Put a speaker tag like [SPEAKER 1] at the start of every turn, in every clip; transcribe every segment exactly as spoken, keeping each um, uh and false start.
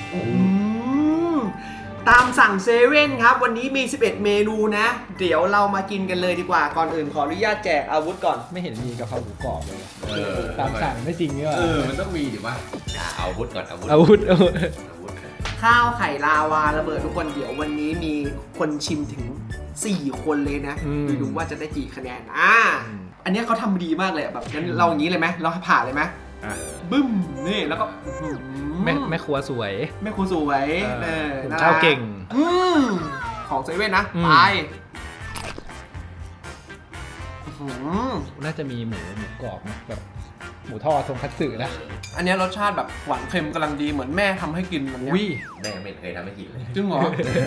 [SPEAKER 1] ตามสั่งเซเว่นครับวันนี้มีสิบเอ็ดเมนูนะเดี๋ยวเรามากินกันเลยดีกว่าก่อนอื่นขออนุญาตแจกอาวุธก่อน
[SPEAKER 2] ไม่เห็นมีกะเพราหมูกรอบเลย
[SPEAKER 3] เออ
[SPEAKER 2] ตามสั่งไม่จริงนี่หว่า
[SPEAKER 3] เออมันต้องมีดิวะเอาอาวุธก่อนอาวุธ
[SPEAKER 2] อาวุธอาวุธ
[SPEAKER 3] อาวุธ
[SPEAKER 1] ข้าวไข่ลาวาระเบิดทุกคนเดี๋ยววันนี้มีคนชิมถึงสี่คนเลยนะไปดูว่าจะได้กี่คะแนนอ่าอันนี้เขาทำดีมากเลยแบบงั้นเราอย่างนี้เลยไหมเราผ่าเลยไหมบึ้มนี่แล้วก็
[SPEAKER 2] แม่แม่ครัวสวย
[SPEAKER 1] แม่ครัวสวยเออ
[SPEAKER 2] ข้าวเก่ง
[SPEAKER 1] ของเซเว่นนะไป
[SPEAKER 2] น่าจะมีหมูหมูกรอบนะแบบหมูทอดทงคัตสึนะ
[SPEAKER 1] อันนี้รสชาติแบบหวานเค็มกำลังดีเหมือนแม่ทำให้กินแบบนี้
[SPEAKER 3] แม่ไม่เคยทำให้กินเลย
[SPEAKER 1] จริงเหรอ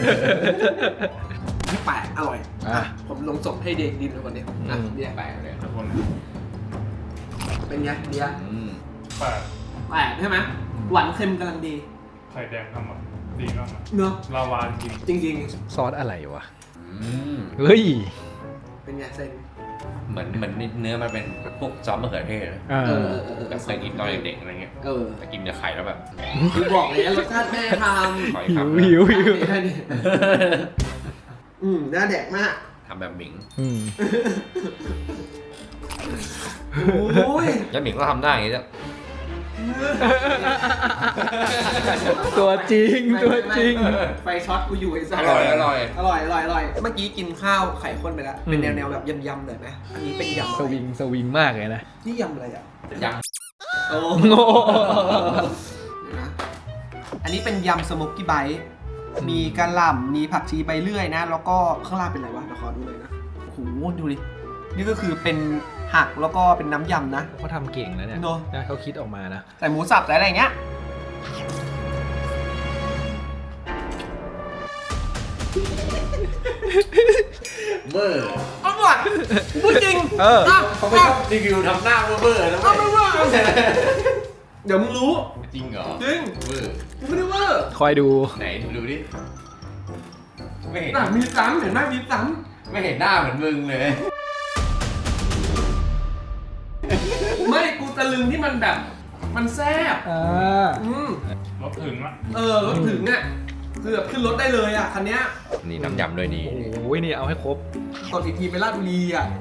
[SPEAKER 1] นี่แปลกอร่อยผมลงส่งให้เด็กดินเลยวันนี้อ่ะเดี๋ยวแปลกเลยทุกคนเป็นไงเดี๋ยว
[SPEAKER 4] แปลก
[SPEAKER 1] แปลกใช่ไหมหวานเค็มกำลังดี
[SPEAKER 4] ไข่แดงทำอ่ะดีมาก
[SPEAKER 1] เนอะ
[SPEAKER 4] ลาวาจริง
[SPEAKER 1] จริง
[SPEAKER 2] ซอสอะไรวะเฮ้ย
[SPEAKER 1] เป็นไงเซน
[SPEAKER 3] เหมือนเหมือนเนื้อมันเป็นพวกซอสมะเขือเทศแบบเคยกินตอนเด็กๆอะไรเงี้ยแต่กินกับไข่แล้วแบบ
[SPEAKER 1] คือบอกเลยรสชาติแม่ทำ
[SPEAKER 2] หิวหิวหิว
[SPEAKER 1] อืมน่าแดกมาก
[SPEAKER 3] ทำแบบหมิง
[SPEAKER 1] โอ้ย
[SPEAKER 3] แล้วหมิงก็ทำได้อย่างนี้จ้ะ
[SPEAKER 2] ตัวจริงตัวจริง
[SPEAKER 1] ไฟช็อตกูอยู่ไอ้สัส
[SPEAKER 3] อร่อยอร่อย
[SPEAKER 1] อร่อยอร่อยอร่อยเมื่อกี้กินข้าวไข่ข้นไปแล้วเป็นแนวแนวแบบยำๆเลยไหมอันนี้เป็นยำ
[SPEAKER 2] สวิงสวิงมากเลยนะ
[SPEAKER 1] นี่ยำอะไรอ่ะ
[SPEAKER 3] ย
[SPEAKER 1] ำโอ้อันนี้เป็นยำสโมกกี้ไบต์มีกะหล่ำมีผักชีใบเลื่อยนะแล้วก็ข้างล่างเป็นอะไรวะเดี๋ยวขอดูเลยนะโอ้โหดูดินี่ก็คือเป็นหักแล้วก็เป็นน้ำยำนะ
[SPEAKER 2] เขาทำเก่งนะเนี่ยนะเขาคิดออกมานะ
[SPEAKER 1] ใส่หมูสับใส่อะไรอย่างเงี้ย
[SPEAKER 3] เบอร์
[SPEAKER 1] อร่อยพูดจริง
[SPEAKER 2] เออ
[SPEAKER 3] เขาไม่ชอบรีวิวทำหน้าเบอร์นะ
[SPEAKER 1] ไม่เบอร์เดี๋ยวมึงรู้
[SPEAKER 3] จริงเหรอ
[SPEAKER 1] จริง
[SPEAKER 3] เบอร์
[SPEAKER 1] กูไม่ได้เบอร์
[SPEAKER 2] คอยดู
[SPEAKER 3] ไหนดูดิ
[SPEAKER 1] ไม่เห็นมีซ้ำเห็นไหมมีซ้
[SPEAKER 3] ำไม่เห็นหน้าเหมือนมึงเลย
[SPEAKER 1] ไม่กูตะลึงที่มันแบบมันแซ่บ
[SPEAKER 2] อ่า
[SPEAKER 1] อืม
[SPEAKER 4] รถถึงอะ
[SPEAKER 1] เออรถถึงอ่ะคือแบบขึ้นรถได้เลยอ่ะคันเนี้ย
[SPEAKER 3] นี่น้ำยำด้วยนี่
[SPEAKER 2] โอ้ยนี่เอาให้ครบ
[SPEAKER 1] ตอนอีกทีไปลาดบุรีอ่ะ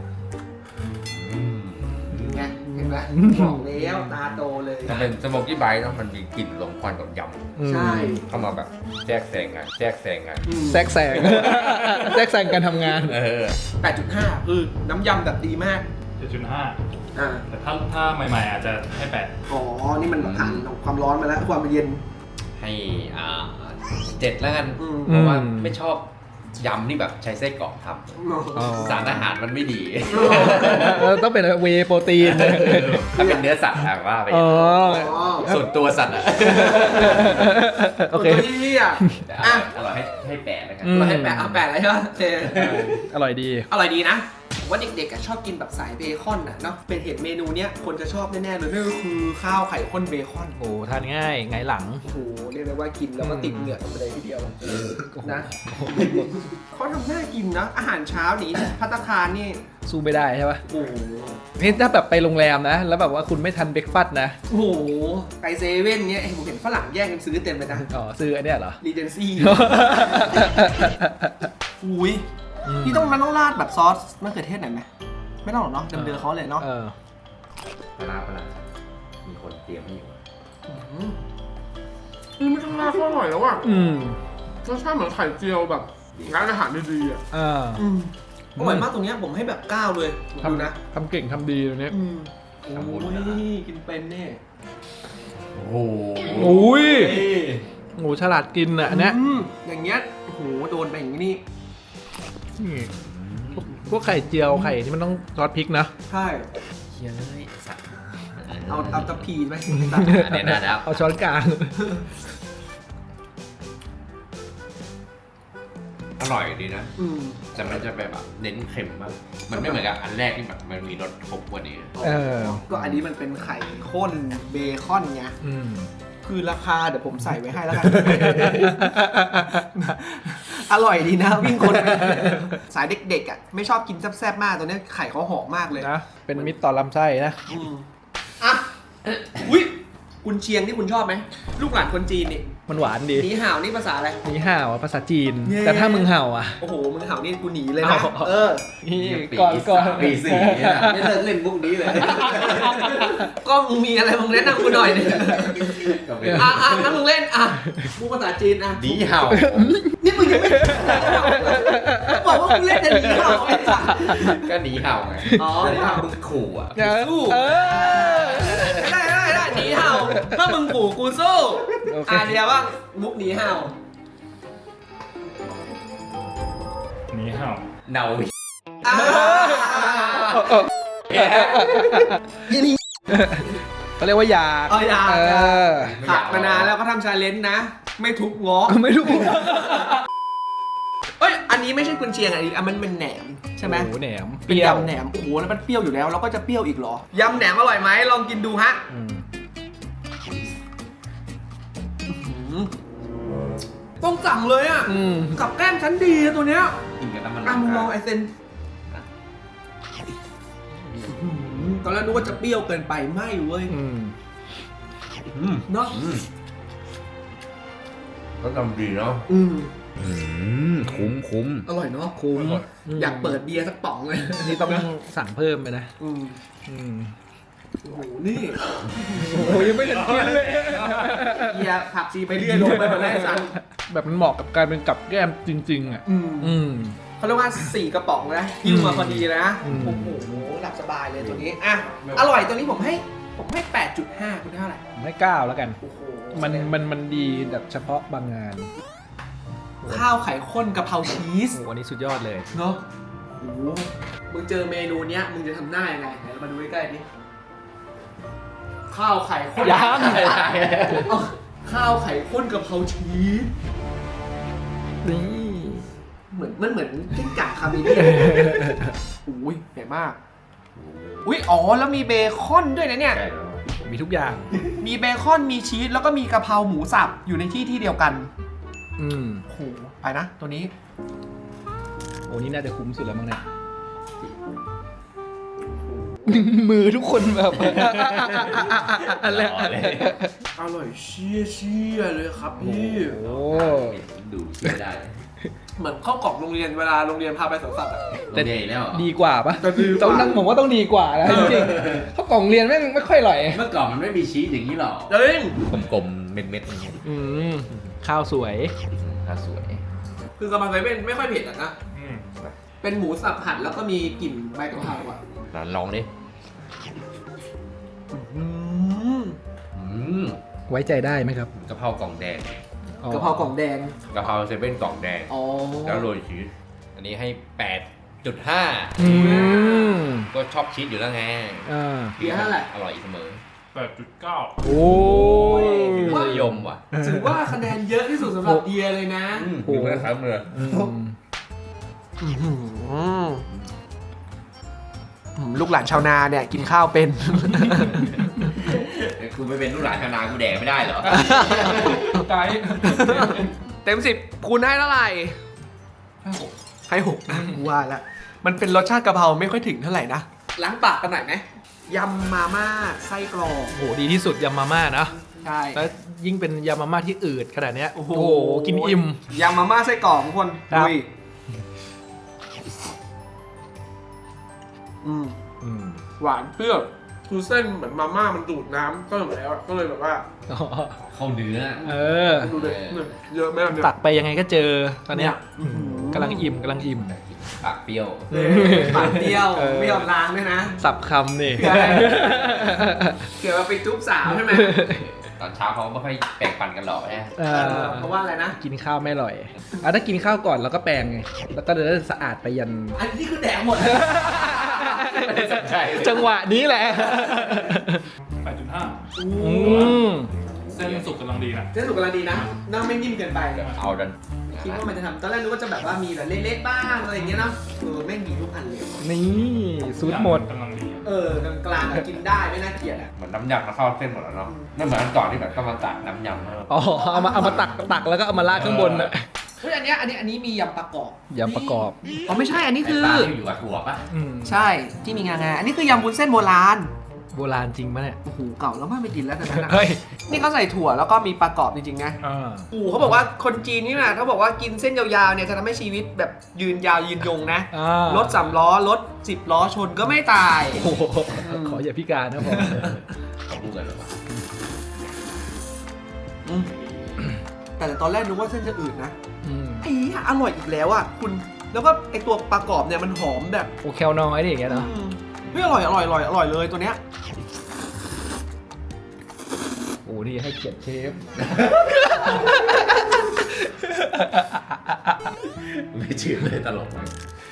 [SPEAKER 1] ไงเห็นไหมบอกแล้วตาโตเลย
[SPEAKER 3] ถ้าเป็นสโมกกี้ไบต์มันมีกลิ่นลมควันกับย
[SPEAKER 1] ำใช่
[SPEAKER 3] เข้ามาแบบแทรกแซงกันแทรกแซงกัน
[SPEAKER 2] แทรกแซงแทรกแซงการทำงาน
[SPEAKER 3] เออ
[SPEAKER 1] แปดจุดห้า คือน้ำยำแบบดีมาก
[SPEAKER 4] เจ็ดจุดห้า
[SPEAKER 1] อ่า
[SPEAKER 4] แต่ถ้าถ้าใหม่ๆอาจจะให้แปด
[SPEAKER 1] อ๋อนี่มันผ่านความร้อนมาแล้วความเย็น
[SPEAKER 3] ให้อ่าเจ็ดแล้วกันเพราะว่าไม่ชอบยำที่แบบใช้ไส้กรอกทำสารอาหารมันไม่ดี
[SPEAKER 2] ต้องเป็นเวย์โปรตีน
[SPEAKER 3] ถ้าเป็นเนื้อสัตว์อะว่าไปส่วนตัวสัตว์อะ
[SPEAKER 1] โอเคที่อ่ะ
[SPEAKER 3] อร่อยให้ให้แปดแล้วกัน
[SPEAKER 1] อร่อยให้แปดเอาแปดเลยใช่ไหม
[SPEAKER 2] อร่อยดี
[SPEAKER 1] อร่อยดีนะว่าเด็กๆชอบกินแบบสายเบคอนน่ะเนาะเป็นเห็นเมนูเนี้ยคนจะชอบแน่ๆเลยนั่นก็คือข้าวไข่ข้นเบคอน
[SPEAKER 2] โอ้ทานง่ายไงหลัง
[SPEAKER 1] โอ้โหเรียกได้ว่ากินแล้วก็ติดเหงื่อกันไปเลยทีเดียวนะเขาทำน่ากินนะอาหารเช้านี้ภัตตาคารนี่
[SPEAKER 2] สู้ไม่ได้ใช่ปะ
[SPEAKER 1] โอ้โห
[SPEAKER 2] นี่ถ้าแบบไปโรงแรมนะแล้วแบบว่าคุณไม่ทันเบรกฟาสต์นะ
[SPEAKER 1] โอ้โหไปเซเว่นเนี้ยผมเห็นฝรั่งแย่งกันซื้อเต็มเลยนะ
[SPEAKER 2] อ๋อซื้ออันเนี้ยเหรอ
[SPEAKER 1] รีเจนซี่อุ้ยพี่ต้องมันต้องราดแบบซอสมะเขือเทศหน่อยไหมไม่ต้องหรอกเนาะเดิมๆเขาเลยเนาะ
[SPEAKER 3] ปลาปลามีคนเตรียมให้อยู่
[SPEAKER 1] นี่ไม่ต้องราดก็อร่อยแล้วอ่ะรสชาติเหมือนไข่เจียวแบบร้านอาหารดีๆอ่ะอร่อยมากตรงนี้ผมให้แบบเก้าเลยดูนะ
[SPEAKER 2] ทำเก่งทำดีตรงนี้
[SPEAKER 1] โอ้ยกินเป็นเนี่ย
[SPEAKER 3] โอ้โห
[SPEAKER 2] โอ้ยโอ้ฉลาดกินอ่ะเนี่ย
[SPEAKER 1] อย่างเงี้ยโอ้โหโดนไปอย่างนี้
[SPEAKER 2] พวกไข่เจียวไข่ที่มันต้องซอสพริกนะ
[SPEAKER 1] ใช่
[SPEAKER 3] เคี่ยวเลยสัตว์
[SPEAKER 1] เอาเอาตะพีไหม
[SPEAKER 3] เนี่ยนะแล้ว
[SPEAKER 2] เอาช้อนกลาง
[SPEAKER 3] อร่อยดีนะแต่มันจะแบบเน้นเค็มมากมันไม่เหมือนกับอันแรกที่แบบมันมีรสครบกว่านี้
[SPEAKER 1] ก็อันนี้มันเป็นไข่ข้นเบคอนไงคือราคาเดี๋ยวผมใส่ไว้ให้แล้วกันอร่อยดีนะวิ่งคนสายเด็กๆอ่ะไม่ชอบกินแซ่บๆมากตัวนี้ไข่เขาหอมมากเลย
[SPEAKER 2] นะเป็นมิตรต่อลำไส้นะ
[SPEAKER 1] อ่ะอุ้ยกุนเชียงที่คุณชอบไหมลูกหลานคนจีนนี่
[SPEAKER 2] มันหวานดี
[SPEAKER 1] หนีห่าวนี่ภาษาอะไร
[SPEAKER 2] นี่ห่าวอะภาษาจีน
[SPEAKER 1] เย้
[SPEAKER 2] แต่ถ้ามึงเห่าอ่ะ
[SPEAKER 1] โอ้โหมึงห่าวนี่กูหนีเลยนะ
[SPEAKER 2] เอา
[SPEAKER 1] เออ
[SPEAKER 2] นี่
[SPEAKER 3] ปี
[SPEAKER 2] ก่อนก่อน
[SPEAKER 3] สามปีสี่เนี่ยไม่เลิกเล่นมุกนี้เลย
[SPEAKER 1] ก็มึงมีอะไรมึงแนะนำกูหน่อยเนี่ย
[SPEAKER 3] ก็ไม่
[SPEAKER 1] อ่ะอ่ะงั้นมึงเล่นอ่ะพูดภาษาจีนอ่ะ
[SPEAKER 3] ดีเห่า
[SPEAKER 1] นี่มึงยังไม่บอกว่ามึงเล่นแต่หนีห่าวไอ้สัส
[SPEAKER 3] ก็หนีเห่าไง
[SPEAKER 1] อ๋อ
[SPEAKER 3] แต่ถ้ามึงขู่อ่ะ
[SPEAKER 2] เออ
[SPEAKER 1] สู้
[SPEAKER 2] เออ
[SPEAKER 1] ได้ได้ได้หนีห่าวถ้ามึงขู่กูสู้
[SPEAKER 2] โอเค
[SPEAKER 1] อ่ะเดียวว่ามุกหนีห่าว
[SPEAKER 4] หนีเห่า
[SPEAKER 3] เนา
[SPEAKER 1] อ่า
[SPEAKER 2] เขาเรียกว่าอยาก
[SPEAKER 1] เอาอยาก
[SPEAKER 2] เออ
[SPEAKER 1] ขัดมานานแล้วก็ทำชาเลนจ์นะ ไม่ทุบง้อ
[SPEAKER 2] ไม่รู้
[SPEAKER 1] เอ้ย อันนี้ไม่ใช่กุนเชียงอันนี้อันมันเป็นแหนมใช่ไหม
[SPEAKER 2] โอ้โหแหนม
[SPEAKER 1] เป็นยำแหนม โอ้โห แล้วมันเปรี้ยวอยู่แล้ว แล้วก็จะเปรี้ยวอีกเหรอ ยำแหนมอร่อยไหมลองกินดูฮะ
[SPEAKER 2] อืม
[SPEAKER 1] ต้องสั่งเลยอ่ะ
[SPEAKER 2] อืม
[SPEAKER 1] กับแก้มชั้นดีอะตัวเนี้ย
[SPEAKER 3] กินกับน้ำมัน
[SPEAKER 1] อ่ะมึงลองไอเซนตอนแรกนึกว่าจะเปรี้ยวเกินไปไม่เว้ย
[SPEAKER 2] อืม
[SPEAKER 3] อืม
[SPEAKER 1] เนาะ
[SPEAKER 3] อืมก็ทำดีเนาะ
[SPEAKER 1] อืม
[SPEAKER 3] อืมคุ้มคุ้ม
[SPEAKER 1] อร่อยเนาะ
[SPEAKER 2] คุ้ม
[SPEAKER 1] อยากเปิดเบียร์สักป๋องเลย
[SPEAKER 2] นี่ต้องสั่งเพิ่มไปนะ
[SPEAKER 1] อืม
[SPEAKER 2] อืม
[SPEAKER 1] โอ้โห นี่
[SPEAKER 2] โอ้ยยังไม่ทันกินเลย
[SPEAKER 1] เบียร์ผักชีไปเรื่อยลงไปหมดเลยไอ้สัน
[SPEAKER 2] แบบมันเหมาะกับการเป็นกับแก้มจริง ๆ อ่ะ
[SPEAKER 1] อืม
[SPEAKER 2] อืม
[SPEAKER 1] เขาเรียกว่าสี่กระป๋องนะยิ้วมาพอดีเลยนะ
[SPEAKER 2] อืม
[SPEAKER 1] โอ้โหหลับสบายเลยตัวนี้ อ่ะ อร่อยตัวนี้ผมให้ ผมให้ แปดจุดห้า คุณเท่าไหร่
[SPEAKER 2] ผมให้เก้าแล้วกัน
[SPEAKER 1] โอ้โห
[SPEAKER 2] มันมันมันดีแบบเฉพาะบางงาน
[SPEAKER 1] ข้าวไข่ข้นกะเพราชีส
[SPEAKER 2] โอ้โหอันนี้สุดยอดเลย
[SPEAKER 1] เนาะโอ้โหมึงเจอเมนูเนี้ย มึงจะทำหน้ายังไงไหนเรามาดูใกล้ๆดิข้าวไข่ข้น
[SPEAKER 2] ยัง
[SPEAKER 1] เอาข้าวไข่ข้นกะเพราชีส
[SPEAKER 2] นี่
[SPEAKER 1] เหมือนมันเหมือนกิ้งก่าคาเมเลียนอุ้ยใหญ่มาก อุ้ยอ๋อแล้วมีเบคอนด้วยนะเนี่ย
[SPEAKER 3] ใช่แล้ว
[SPEAKER 2] มีทุกอย่าง
[SPEAKER 1] มีเบคอนมีชีสแล้วก็มีกะเพราหมูสับอยู่ในที่ที่เดียวกัน
[SPEAKER 2] อืม
[SPEAKER 1] โอ้โหไปนะตัวนี้
[SPEAKER 2] โอ้นี่น่าจะคุ้มสุดแล้วมั้งเนี่ย มือทุกคนแบบอะไร
[SPEAKER 3] หล่อเลย
[SPEAKER 1] อร่อยเชี่ยเชี่ยเลยครับพี่
[SPEAKER 2] โอ้
[SPEAKER 3] ดูเชื่อได้
[SPEAKER 1] เหมือนข้าวกล่องโรงเรียนเวลาโรงเรียนพาไปสวนสัตว์อะ
[SPEAKER 3] แต่ใหญ่แล้วเหรอ
[SPEAKER 2] ดีกว่าปะ
[SPEAKER 1] แต่ดีกว่า
[SPEAKER 2] ต้องนั่งผมว่าต้องดีกว่านะจริงๆเขากล่องเรียนแม่งไม่ค่อยอร่อย
[SPEAKER 3] เมื่อก่อนมันไม่มีชีสอย่างนี้หรอก
[SPEAKER 1] จริง
[SPEAKER 3] กลมๆเม็ดๆอย่างเงี้ย
[SPEAKER 2] อืมข้าวสวย
[SPEAKER 3] ถ้าสวย
[SPEAKER 1] คือกำลังใจเป็นไม่ค่อยเผ็ดอะนะ
[SPEAKER 4] อืม
[SPEAKER 1] เป็นหมูสับหั่นแล้วก็มีกลิ่นใบกะเพราอะ
[SPEAKER 3] ลองดิ
[SPEAKER 1] อืม
[SPEAKER 3] อืม
[SPEAKER 2] ไว้ใจได้ไหมครับ
[SPEAKER 3] กะเพรากล่องแดง
[SPEAKER 2] อ๋อก
[SPEAKER 1] ะเพรากล่องแดง
[SPEAKER 3] กะเพราเซเว่นกล่องแดง
[SPEAKER 1] อ๋อ
[SPEAKER 3] แล้วโรยชีส อันนี้ให้ แปดจุดห้า
[SPEAKER 2] อืม
[SPEAKER 3] ก็ชอบชีสอยู่แล้วไง
[SPEAKER 2] อ่า
[SPEAKER 1] เบียร์เท่าไหร่
[SPEAKER 3] อร่อยเสมอ
[SPEAKER 4] แปดจุดเก้า
[SPEAKER 2] โอ้ย
[SPEAKER 3] นิยมว่ะ
[SPEAKER 1] ถือว่าคะแนนเยอะที่สุดสำหรับเดียเลยนะ
[SPEAKER 3] อืมมีเพื่อนครับเลย
[SPEAKER 2] อืม
[SPEAKER 1] อืมลูกหลานชาวนาเนี่ยกินข้าวเป็น
[SPEAKER 3] กูไปเป็นลูกหลานชาวนากูแดกไม่ได้เหรอ
[SPEAKER 4] ไกด์
[SPEAKER 1] เต็มสิบคุณให้เท่าไหร่
[SPEAKER 4] ห้าหก
[SPEAKER 1] ให้หกนะกูว่าละมันเป็นรสชาติกะเพราไม่ค่อยถึงเท่าไหร่นะ ล้างปากกันหน่อยไหมยำมาม่าไส้กรอก
[SPEAKER 2] โอ้โหดีที่สุดยำมาม่านะ
[SPEAKER 1] ใช่
[SPEAKER 2] แล้วยิ่งเป็นยำมาม่าที่อืดขนาดเนี้ย
[SPEAKER 1] โอ้
[SPEAKER 2] โอ้
[SPEAKER 1] โห
[SPEAKER 2] โหกินอิ่ม
[SPEAKER 1] ยำมาม่าไส้กรอกทุกคน
[SPEAKER 2] ครับ
[SPEAKER 1] ดุยอืม
[SPEAKER 2] อืม
[SPEAKER 1] หวานเปรี้ยวคือเส้นเหมือนมาม่ามันดูดน้ำก็เลยแล้วก็เลยแบบว่า
[SPEAKER 2] อ๋อ
[SPEAKER 3] เข้าเนื้อ
[SPEAKER 2] เออ
[SPEAKER 1] ดูเลยเนี่ยเยอะมากเนี่ย
[SPEAKER 2] ตักไปยังไงก็เจอตอนเนี้ย
[SPEAKER 1] อื้อหือก
[SPEAKER 2] ำลังอิ่มกำลังอิ่ม
[SPEAKER 3] ปากเปรี้ยว
[SPEAKER 1] เออปากเปรี้ยว
[SPEAKER 2] เออ
[SPEAKER 1] ไม่ยอมล้างด้วยนะ
[SPEAKER 2] สับคำนี่
[SPEAKER 1] ใช่ เกี่ยวกับไปจุ๊บสาวใช่ไหม
[SPEAKER 3] ตอนเช้าเขาไม่ค่อยแปรงฟันกันหรอกนะ
[SPEAKER 2] เออ
[SPEAKER 1] เพราะว่าอะไรนะ
[SPEAKER 2] กินข้าวไม่อร่อยอ่ะถ้ากินข้าวก่อนแล้วก็แปรงไงแล้วก็เดินสะอาดไปยัน
[SPEAKER 1] อันนี้คือแดกหมด
[SPEAKER 3] ใช่
[SPEAKER 2] จังหวะนี้แหละ
[SPEAKER 4] แปดจุดห้า
[SPEAKER 2] อืม
[SPEAKER 4] เส้นสุกกำลังดีนะ
[SPEAKER 1] เส้นสุกกำลังดีนะน้ำไม่นิ่มเกินไป
[SPEAKER 3] เอาดัน
[SPEAKER 1] คิดว่ามันจะทำตอนแรกนึกว่าจะแบบว่ามีแบบเล็กๆบ้างอะไรอย่างเงี้ยเนาะเออไม่มีทุกอันเลย
[SPEAKER 2] นี่สูตรหมด
[SPEAKER 4] กำลังดี
[SPEAKER 1] เออกลางๆอะกินได้ไม่น่าเกลียดอ่ะ
[SPEAKER 3] เหมือนน้ำยำมาเข้าเส้นหมดแล้วเนาะไม่เหมือนอันก่อนที่แบบต้องมาตักน้ำยำแล้ว
[SPEAKER 2] อ๋อเอามาเอามาตักตักแล้วก็เอามาราดข้างบนน่ะ
[SPEAKER 1] เฮ้ยอันเนี้ยอันนี้อันนี้มียำประกอบ
[SPEAKER 2] ยำประกอบ
[SPEAKER 1] อ๋อไม่ใช่อันนี้คือ
[SPEAKER 3] ไอ้ปลาที่อยู่กับถั่วปะ
[SPEAKER 2] อืม
[SPEAKER 1] ใช่ที่มีงางาอันนี้คือยำวุ้นเส้นโบราณ
[SPEAKER 2] โบราณจริงปะเนี่ย
[SPEAKER 1] โอ้โหเก่าแล้วมากไม่กินแล้วแต่นั้นนะ
[SPEAKER 2] เฮ้ย
[SPEAKER 1] นี่เขาใส่ถั่วแล้วก็มีปลากรอบจริงๆนะ
[SPEAKER 2] อ่า
[SPEAKER 1] โอ้โหเขาบอกว่าคนจีนนี่นะเขาบอกว่ากินเส้นยาวๆเนี่ยจะทำให้ชีวิตแบบยืนยาวยืนยงนะ
[SPEAKER 2] อ่าร
[SPEAKER 1] ถสามล้อรถสิบล้อชนก็ไม่ตาย
[SPEAKER 2] โอ้โหขออย่าพิการนะผม
[SPEAKER 3] เขาพูดกันหรือเปล่า
[SPEAKER 1] อืมแต่ตอนแรกนึกว่าเส้นจะอืดนะ
[SPEAKER 2] อืม
[SPEAKER 1] ไอ้เหี้ยอร่อยอีกแล้วอ่ะคุณแล้วก็ไอตัวปลากรอบเนี่ยมันหอมแบบ
[SPEAKER 2] โอเคลน้อยดิอย่างเงี้ยเนาะ
[SPEAKER 1] อืมเฮ้ยอร่อยอร่อยอร่อยอร่อยเลยตัวเนี้ย
[SPEAKER 2] โอ้นี่ให้เกียรติเชฟ
[SPEAKER 3] ไม่จืดเลยตลกมาก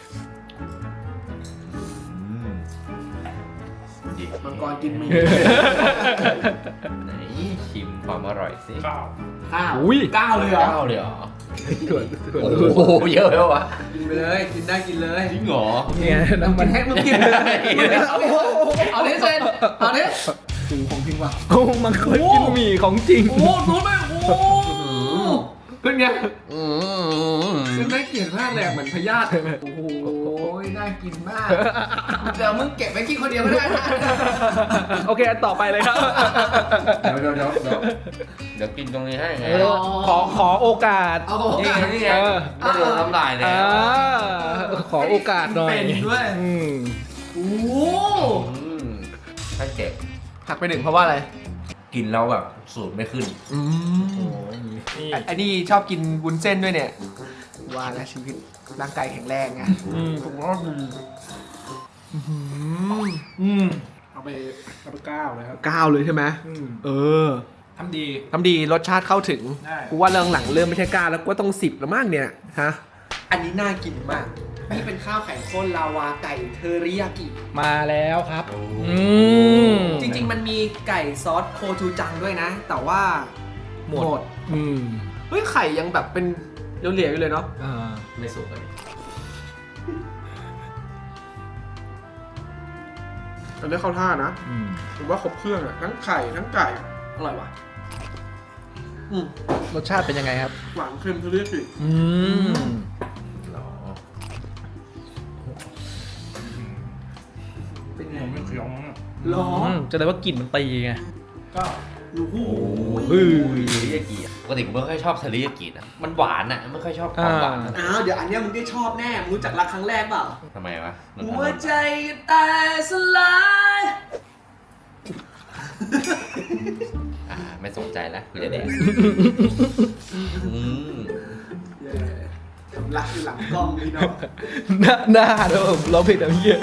[SPEAKER 3] อืมดี
[SPEAKER 1] มังกรกินหมี
[SPEAKER 3] ไหนชิมความอร่อยสิ
[SPEAKER 4] เก้า
[SPEAKER 1] ข้าว
[SPEAKER 2] อุ้ย
[SPEAKER 1] เก้าเลยเหรอ
[SPEAKER 3] เก้าเลยเหรอ
[SPEAKER 2] ถั่วถั่ว
[SPEAKER 3] โอ้โหเยอะเลยวะ
[SPEAKER 1] กินไปเลยกินได้กินเลย
[SPEAKER 3] จริงเหรอ
[SPEAKER 2] เนี่ยน้ำมัน
[SPEAKER 1] กินให้มึงกินเอาดิเอาดิเซนเอาดิหูของจริงว่ะ
[SPEAKER 2] โอ้มันเคยกินหมี่ของจริง
[SPEAKER 1] โอ้โหรู้ไหมโอ้โหเป็นไง
[SPEAKER 3] อืม
[SPEAKER 1] เป็นได้เกลียดมากเลยอะเหมือนพยาธิโอ้โหน่ากินมากเดี๋ยวมึงเก็บไว้กินคนเดียวก็ได้นะ
[SPEAKER 2] โอเคอันต่อไปเลยครับ
[SPEAKER 3] เดี๋ยวเดี๋ยวเดี๋ยวเดี๋ยวเดี๋ยวกินตรงนี้ให้ไง
[SPEAKER 2] เออขอขอโอกาส
[SPEAKER 1] เอาโอกาส
[SPEAKER 3] นี่ไง
[SPEAKER 2] เออ
[SPEAKER 3] ไม่โดนน้ำลายแล้
[SPEAKER 2] อ่าว ขอโอกาสหน่อย
[SPEAKER 1] เป็นด้วย
[SPEAKER 2] อืม
[SPEAKER 1] โอ้โห
[SPEAKER 3] อืมถ้าเก็บ
[SPEAKER 1] หักไปหนึ่งเพราะว่าอะไร
[SPEAKER 3] กินแล้วแบบสูตรไม่ขึ้น
[SPEAKER 1] อืม
[SPEAKER 2] นี่
[SPEAKER 1] ไอ้นี่ชอบกินวุ้นเส้นด้วยเนี่ย ว่าแล้วชีวิตร่างกายแข็งแรงไง
[SPEAKER 2] อืม
[SPEAKER 1] ถูกต้องดี
[SPEAKER 2] อืมเอาไปเอาไปก้าวเลยครับ
[SPEAKER 1] ก้าวเลยใช่ไหม
[SPEAKER 2] อืม
[SPEAKER 1] เออ
[SPEAKER 2] ทำดี
[SPEAKER 1] ทำดีรสชาติเข้าถึง
[SPEAKER 2] ได้
[SPEAKER 1] กูว่าเรื่องหลังเริ่มไม่ใช่ก้าวแล้วก็ต้องสิบแล้วมั้งเนี่ยฮะอันนี้น่ากินมากนี่เป็นข้าวไข่ข้นลาวาไก่เทอริยากิ
[SPEAKER 2] มาแล้วครับ
[SPEAKER 3] โอ้
[SPEAKER 2] อืม
[SPEAKER 1] จริงๆมันมีไก่ซอสโคจูจังด้วยนะ แต่ว่า
[SPEAKER 2] หมด อืม
[SPEAKER 1] เฮ้ยไข่ยังแบบเป็นเหลวๆอยู่เลยเนาะ
[SPEAKER 2] อ่า
[SPEAKER 3] ไม่สุกเลย
[SPEAKER 1] อันนี้เข้าท่านะ
[SPEAKER 2] อืม
[SPEAKER 1] ผมว่าครบเครื่องอะทั้งไข่ทั้งไก่อร่อยว่ะอืม
[SPEAKER 2] รสชาติเป็นยังไงครับ
[SPEAKER 1] หวานเค็มเทอริยากิ
[SPEAKER 2] อืม
[SPEAKER 3] หรอ
[SPEAKER 1] เป็นไง
[SPEAKER 4] ผมไม่เคี้ยวมั้งอะ
[SPEAKER 1] หรอ
[SPEAKER 2] อืมจะได้ว่ากลิ่นมันตีไง
[SPEAKER 4] เก้า
[SPEAKER 1] โอ้โห
[SPEAKER 2] เฮ้ย
[SPEAKER 3] เทริยากิอะปกติผมไม่ค่อยชอบเทริยากินะมันหวานอ่ะไม่ค่อยชอบความหวาน
[SPEAKER 2] อ่า
[SPEAKER 1] อ้าวเดี๋ยวอันเนี้ยมึงได้ชอบแน่มึงรู้จักรักครั้งแรกเปล่า
[SPEAKER 3] ทำไมวะ
[SPEAKER 1] หัวใจตายสลาย
[SPEAKER 3] อ่าไม่สนใจแล้วคุณจะแดกอืม
[SPEAKER 1] รักอยู่หลังกล้องนี่เนาะ
[SPEAKER 2] หน้าหน้าเด้อเราผิดอะไรเงี้ย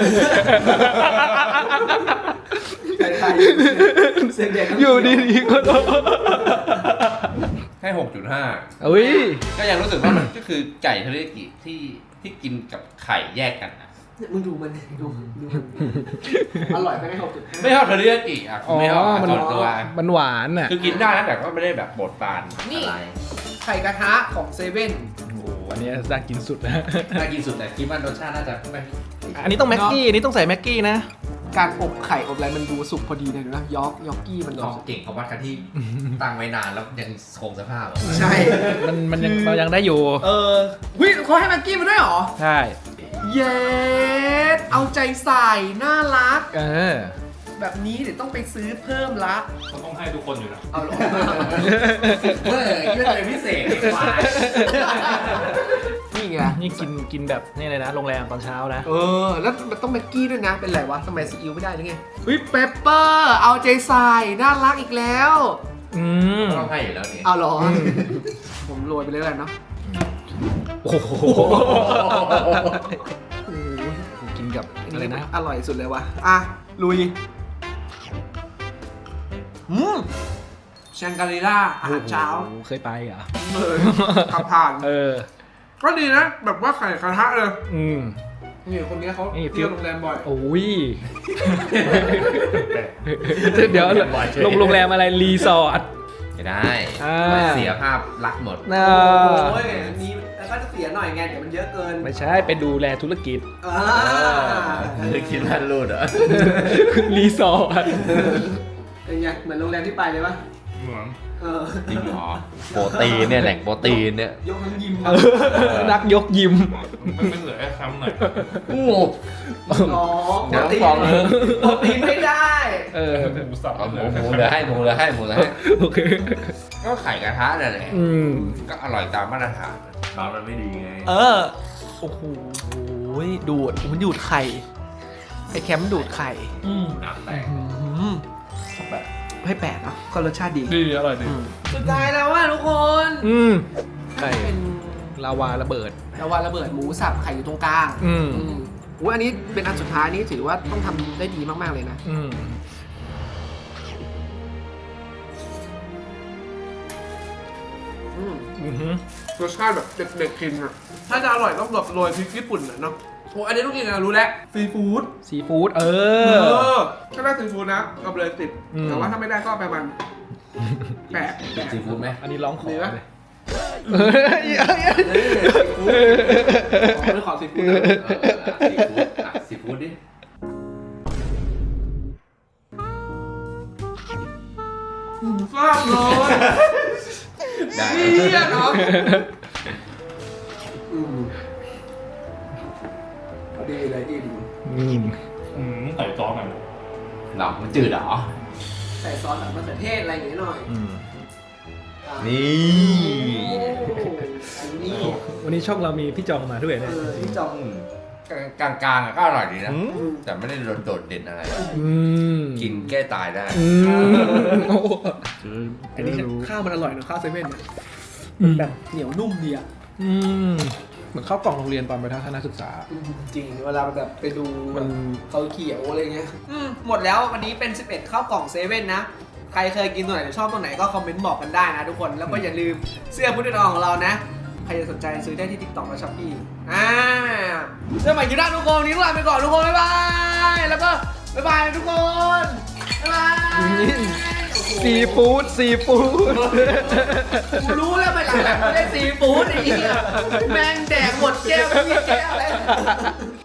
[SPEAKER 1] ใครๆเสียงเด็ก
[SPEAKER 2] อยู่ดีๆก็โดน
[SPEAKER 3] ให้หกจุดห้า
[SPEAKER 2] อุ้ย
[SPEAKER 3] ก็ยังรู้สึกว่ามันก็คือไก่เทริยากิที่ที่กินกับไข่แยกกันอะ
[SPEAKER 1] เนี่ยมึงดูมันดิดูดูมันอร่อยไปไหมหกจุดห้า
[SPEAKER 3] ไม่ชอบเทริยากิอ่ะ
[SPEAKER 2] อ๋อ
[SPEAKER 3] ไม่ชอบ
[SPEAKER 2] มัน
[SPEAKER 3] ส่วนตัว
[SPEAKER 2] มันหวานอ่ะ
[SPEAKER 3] คือกินได้นะแต่ก็ไม่ได้แบบบดปาน
[SPEAKER 1] นี่
[SPEAKER 3] อะไร
[SPEAKER 1] ไข่กระทะของเซเว่น
[SPEAKER 2] โอ้โหอันนี้น่ากินสุดนะ
[SPEAKER 3] น่ากินสุดแต่คิดว่ารสชาติน่าจะไม่
[SPEAKER 2] อันนี้ต้องแม็กกี้ อันนี้ต้องใส่แม็กกี้นะ
[SPEAKER 1] การอบไข่อบอะไรมันดูสุกพอดีเลยนะยอกยอกกี้มัน
[SPEAKER 3] เขาเก่งเขาวัดกันที่ตั้งไว้นานแล้วยังคงสภาพอะ
[SPEAKER 1] ใช่
[SPEAKER 2] มันมันยังมันยังได้อยู่
[SPEAKER 1] เออวิเขาให้แม็กกี้มาด้วยเหรอ
[SPEAKER 2] ใช่
[SPEAKER 1] เย้เอาใจใส่น่ารัก
[SPEAKER 2] เออ
[SPEAKER 1] แบบนี้เดี๋ยวต้องไปซื้อเพิ่มละ
[SPEAKER 4] เขาต้องให้ทุกคนอยู่นะ
[SPEAKER 1] เอาหรอ
[SPEAKER 3] เฮ้ยคิดว่าอะไรพิเศษไอ้ควาย
[SPEAKER 1] นี่ไง
[SPEAKER 2] นี่กินกินแบบนี่เลยนะ โรงแรมตอนเช้านะ
[SPEAKER 1] เออ แล้วมันต้องแม็กกี้ด้วยนะ เป็นไรวะทำไมซีอิ๊วไม่ได้หรือไงเฮ้ยเปปเปอร์เอาใจใส่น่ารักอีกแล้ว
[SPEAKER 2] อืม
[SPEAKER 3] ต้องให้อยู่แล้วนี่
[SPEAKER 1] เอาเหรอ ผมโรยไปเลยแล้วกันเนาะ
[SPEAKER 2] โอ้โหกินกับอะไรนะ
[SPEAKER 1] อร่อยสุดเลยวะอ่ะ ลุยอืมแชงกรีล่าอาหารเช้า
[SPEAKER 2] โอ้โหเคยไปเหรอ
[SPEAKER 1] เออขับผ่าน
[SPEAKER 2] เออ
[SPEAKER 1] ก็ดีนะ แบบว่าไข่กระทะเลย
[SPEAKER 2] อืม
[SPEAKER 1] นี่คนนี้เขา
[SPEAKER 2] นี่
[SPEAKER 1] เที่ยวโรงแรมบ่อย
[SPEAKER 2] โอ้ย เดี๋ยวลงโรงแรมอะไรรีสอร์ท
[SPEAKER 3] ไม่ได้
[SPEAKER 2] อ่า
[SPEAKER 3] เสียภาพลักษณ์หมด
[SPEAKER 2] น่า
[SPEAKER 1] โอ้ยอันนี้แล้วก็จะเสียหน่อยไงเดี๋ยวมันเยอะเกิน
[SPEAKER 2] ไม่ใช่ไปดูแลธุรกิจ
[SPEAKER 1] อ่า
[SPEAKER 3] คือคิดว่ารูดเหรอ
[SPEAKER 2] รีสอร์ท
[SPEAKER 1] เป็นไงเหมือนโรงแรมที่ไปเลยปะ
[SPEAKER 4] เหมือน
[SPEAKER 1] เอออ
[SPEAKER 3] จริงเหรอโปรตีนเนี่ยแหล่งโปรตีนเนี่ย
[SPEAKER 1] ยกทั้งยิม
[SPEAKER 2] เออนักยกยิม
[SPEAKER 4] มันเป็นเหลือแค่คำหน่อย
[SPEAKER 3] โอ้
[SPEAKER 1] อ๋อโปรตีน
[SPEAKER 3] น้ำฟองเลย
[SPEAKER 1] โปรตีนไม่ได้
[SPEAKER 2] เออ
[SPEAKER 4] หมูสับ
[SPEAKER 3] เอาห
[SPEAKER 4] เห
[SPEAKER 3] มู
[SPEAKER 4] ลือ
[SPEAKER 3] หมู
[SPEAKER 4] แค่
[SPEAKER 3] เหลือให้หมูเหลือให้หมูเหลือให้
[SPEAKER 2] โอเค
[SPEAKER 3] ก็ไข่กระทะนั่นแหละ
[SPEAKER 2] อืม
[SPEAKER 3] ก็อร่อยตามมาตรฐานร้านมันไม่ดีไง
[SPEAKER 1] เออ โอ้โหดูดมันดูดไข่ ไอ้แคมป์ดูดไข่
[SPEAKER 4] อืม
[SPEAKER 3] น้ำแตก
[SPEAKER 1] อืมให้แปลกเนาะก็รสชาติดี
[SPEAKER 4] ดีอร่อยดี
[SPEAKER 1] สุดท้ายแล้วว่าทุกคน
[SPEAKER 2] อืมไข่
[SPEAKER 1] เป็น
[SPEAKER 2] ลาวาระเบิด
[SPEAKER 1] แล้วว่าระเบิดหมูสับไข่อยู่ตรงกลาง
[SPEAKER 2] อืม
[SPEAKER 1] อืมอุ้ยอันนี้เป็นอันสุดท้ายนี้ถือว่าต้องทำได้ดีมากๆเลยนะ
[SPEAKER 2] อืม
[SPEAKER 1] อืม
[SPEAKER 2] อือหือ
[SPEAKER 1] รสชาติแบบเด็กๆกินอะถ้าจะอร่อยต้องแบบโรยพริกญี่ปุ่นอะเนาะโอ้อันนี้ต้องกินนะรู้แล้วซีฟู้ด
[SPEAKER 2] ซีฟู้ดเอ
[SPEAKER 1] เอ
[SPEAKER 2] อ
[SPEAKER 1] อถ้าได้ซีฟู้ดนะเอาไปเลยสิบ
[SPEAKER 2] อืม
[SPEAKER 1] แต่ว่าถ้าไม่ได้ก็เอาไปมันแปดแปด
[SPEAKER 3] ซีฟู้ดไหม
[SPEAKER 2] อันนี้ร้องขอ
[SPEAKER 1] มีปะ
[SPEAKER 2] เลย
[SPEAKER 1] เออซีฟู้ดขอไม่ขอซีฟู้ดนะ
[SPEAKER 3] เออซีฟู้ดอ่ะซีฟู้ดดิ
[SPEAKER 1] ทราบเลย
[SPEAKER 3] ได้
[SPEAKER 1] เฮียเนาะอืมพอดีเลยอิ่ม
[SPEAKER 2] อืม
[SPEAKER 4] อืมใส่ซอสหน่อย
[SPEAKER 3] หลับมันจืดเหรอ
[SPEAKER 1] ใส่ซอสแบบมะเขือเทศอะไรอย่างเงี้ยหน่อย
[SPEAKER 2] อืม
[SPEAKER 1] อ่ะ
[SPEAKER 3] นี่
[SPEAKER 1] โอ้อันนี้
[SPEAKER 2] วันนี้ช่องเรามีพี่จองมาด้วย
[SPEAKER 1] เอ
[SPEAKER 2] เนี่ย
[SPEAKER 1] อที่จอง
[SPEAKER 3] กลางกลางๆอ่ะก็อร่อยดีนะ
[SPEAKER 2] อืม
[SPEAKER 1] อืม
[SPEAKER 3] แต่ไม่ได้โดดเด่นอะไร
[SPEAKER 2] อืม
[SPEAKER 3] กินแก้ตายได้
[SPEAKER 2] อืมโอ้โห
[SPEAKER 1] อันนี้ข้าวมันอร่อยเนอะข้าวเซเว่นเนี่ย
[SPEAKER 2] อืม
[SPEAKER 1] แบบเหนียวนุ่มดีอ่ะ
[SPEAKER 2] อืมเหมือนข้าวกล่องโรงเรียนตอนไปทัศนศึกษา
[SPEAKER 1] จริงเวลาแบบไปดู
[SPEAKER 2] มัน
[SPEAKER 1] เขาเขียวอะไรเงี้ยอืมหมดแล้ววันนี้เป็นสิบเอ็ดข้าวกล่องเซเว่นนะ ใครเคยกินตัวไหนหรือชอบตัวไหนก็คอมเมนต์บอกกันได้นะทุกคน แล้วก็อย่าลืมเสื้อพุทธดองของเรานะ ใครจะสนใจซื้อได้ที่ TikTok และ Shopee อ่าเจอใหม่คลิปหน้าทุกคนวันนี้ลาไปก่อนทุกคน บ๊ายบาย แล้วก็บ๊ายบายทุกคน บ๊ายบาย
[SPEAKER 2] ซีฟู้ดซีฟู้ด
[SPEAKER 1] กูรู้แล้วไปหลังๆไม่ได้ซีฟู้ดไอ้เหี้ยแม่งแดกหมดแก้วไม่มีแก้วแล้ว